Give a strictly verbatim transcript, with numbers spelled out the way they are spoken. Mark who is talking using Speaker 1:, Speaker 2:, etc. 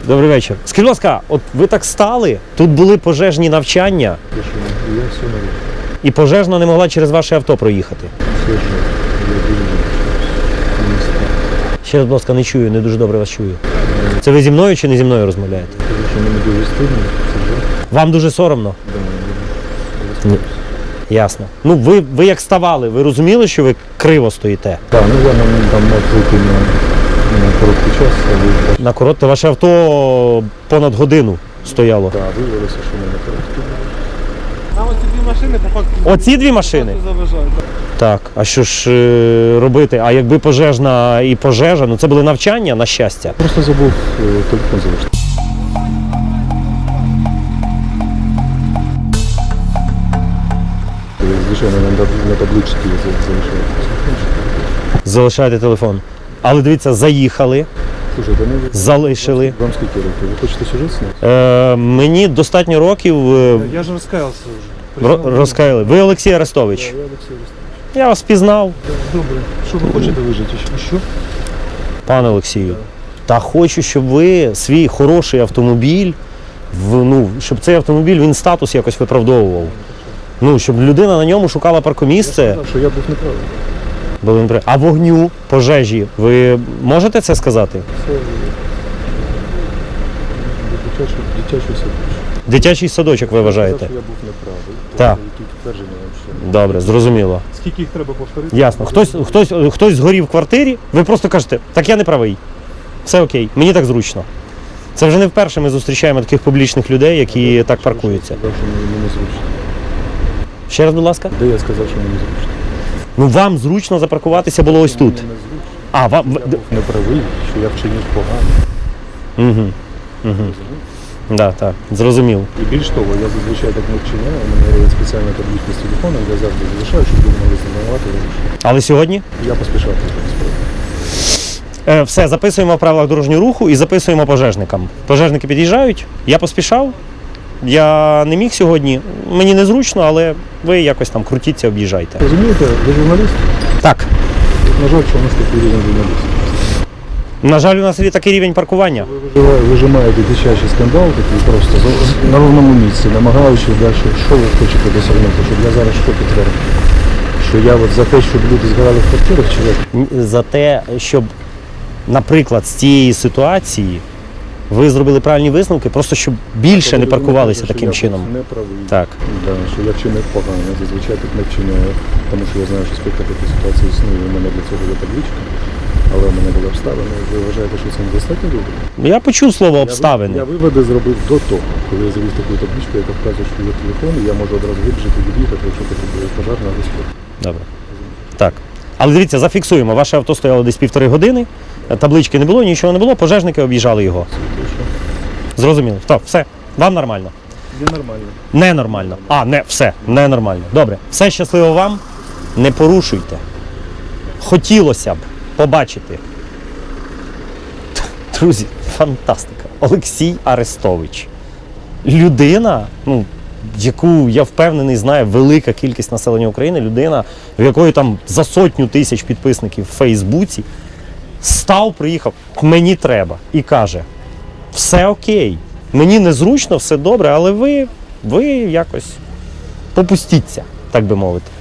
Speaker 1: Добрий вечір. Скажіть, будь ласка, от ви так стали, тут були пожежні навчання,
Speaker 2: Я все нормально.
Speaker 1: і пожежна не могла через ваше авто проїхати.
Speaker 2: Все же, я думаю,
Speaker 1: Ще раз, будь ласка, не чую, не дуже добре вас чую. Це ви зі мною чи не зі мною розмовляєте?
Speaker 2: що мені дуже стидно, це ж.
Speaker 1: Вам дуже соромно?
Speaker 2: Да,
Speaker 1: Ні. Ясно. Ну, ви, ви як ставали, ви розуміли, що ви криво стоїте?
Speaker 2: Так, ну я на, там маршрутки на, на короткий час, але
Speaker 1: На коротке ваше авто понад годину стояло.
Speaker 2: так, виявилося, що ми на короткий.
Speaker 3: Нам оці дві машини по факту
Speaker 1: Оці дві машини?
Speaker 3: заважають.
Speaker 1: Так, а що ж е, робити? А якби пожежна і пожежа, ну це були навчання, на щастя.
Speaker 2: Просто забув е, телефон залишити. Звичайно, на, на табличці залишив.
Speaker 1: Залишайте телефон. Але дивіться, заїхали,
Speaker 2: Слушайте, ну ви
Speaker 1: залишили.
Speaker 2: вам скільки років? Ви хочете сюжет зняти?
Speaker 1: Е, мені достатньо років е,
Speaker 3: Я ж розкаявся вже.
Speaker 1: ро- розкаяли. Ви Олексій Арестович.
Speaker 2: Я Олексій Олексійович.
Speaker 1: Я вас пізнав,
Speaker 2: Добре. Що ви хочете вижити? Що?
Speaker 1: пане Олексію. Та хочу, щоб ви свій хороший автомобіль, в, ну, щоб цей автомобіль, він статус якось виправдовував. Ну, щоб людина на ньому шукала паркомісце.
Speaker 2: Я сказав, що я був неправий.
Speaker 1: Були непри- А вогню, пожежі, ви можете це сказати?
Speaker 2: Це дитячий, дитячий садочок.
Speaker 1: Дитячий садочок, ви
Speaker 2: Я
Speaker 1: вважаєте?
Speaker 2: сказав, що я був неправий.
Speaker 1: Так.
Speaker 2: Які підтвердження вам ще?
Speaker 1: Добре, зрозуміло.
Speaker 3: Скільки їх треба повторити?
Speaker 1: Ясно. Хтось, хтось, хтось згорів в квартирі, ви просто кажете, так я не правий. Все окей, мені так зручно. Це вже не вперше ми зустрічаємо таких публічних людей, які так паркуються.
Speaker 2: Я сказав, що мені мені зручно.
Speaker 1: Ще раз, будь ласка.
Speaker 2: Де я сказав, що мені зручно?
Speaker 1: Ну вам зручно запаркуватися було ось тут.
Speaker 2: Мені не зручно.
Speaker 1: А, вам.
Speaker 2: Я був неправий, що я вчинив погано.
Speaker 1: Угу. Угу. Да, так, зрозумів.
Speaker 2: І більш того, я зазвичай так не вчиняю. У мене є спеціальна табличка з телефоном, я завжди залишаю, щоб ви могли знімати.
Speaker 1: Але сьогодні
Speaker 2: Я поспішав вже справді.
Speaker 1: е, все, записуємо в правилах дорожнього руху і записуємо пожежникам. Пожежники під'їжджають, я поспішав. Я не міг сьогодні. Мені незручно, але ви якось там крутіться, об'їжджайте.
Speaker 2: Розумієте, ви журналіст?
Speaker 1: Так.
Speaker 2: На жаль, що у нас такий рівень журналістів.
Speaker 1: На жаль, у нас є такий рівень паркування.
Speaker 2: Ви виживає- вижимаєте дитячий скандал такий просто за- на ровному місці, намагаючись далі, що ви хочете досягнути, щоб я зараз що підтвердив? Що я от за те, щоб люди згорали в квартирах, чи як?
Speaker 1: За те, щоб, наприклад, з цієї ситуації ви зробили правильні висновки, просто щоб більше
Speaker 2: Тобто
Speaker 1: не
Speaker 2: ви
Speaker 1: паркувалися
Speaker 2: кажете,
Speaker 1: таким
Speaker 2: що
Speaker 1: чином.
Speaker 2: Я був неправий.
Speaker 1: Так.
Speaker 2: Да, що я вчинив погано, я зазвичай так не вчиняю, тому що я знаю, що спектр такої ситуації існує, у мене для цього є табличка, але у мене були обставини. Ви вважаєте, що це недостатньо добре?
Speaker 1: Я почув слово
Speaker 2: Я
Speaker 1: обставини.
Speaker 2: ви- Я виводи зробив до того, коли я завів таку табличку, яка вказує, що є телефон, і я можу одразу вибіжати, від'їхати, якщо потрібно пожежна або спорт.
Speaker 1: Добре. Так. Але дивіться, зафіксуємо. Ваше авто стояло десь півтори години, таблички не було, нічого не було, пожежники об'їжджали його. Зрозуміло. Так, все. Вам нормально.
Speaker 2: Є нормально.
Speaker 1: Ненормально. А, не, все, ненормально. Добре. Все щасливо вам. Не порушуйте. Хотілося б побачити. Друзі, фантастика. Олексій Арестович. Людина, ну, яку, я впевнений, знає велика кількість населення України, людина, в якої там за сотню тисяч підписників в Фейсбуці, став, приїхав, мені треба, і каже, все окей, мені незручно, все добре, але ви, ви якось попустіться, так би мовити.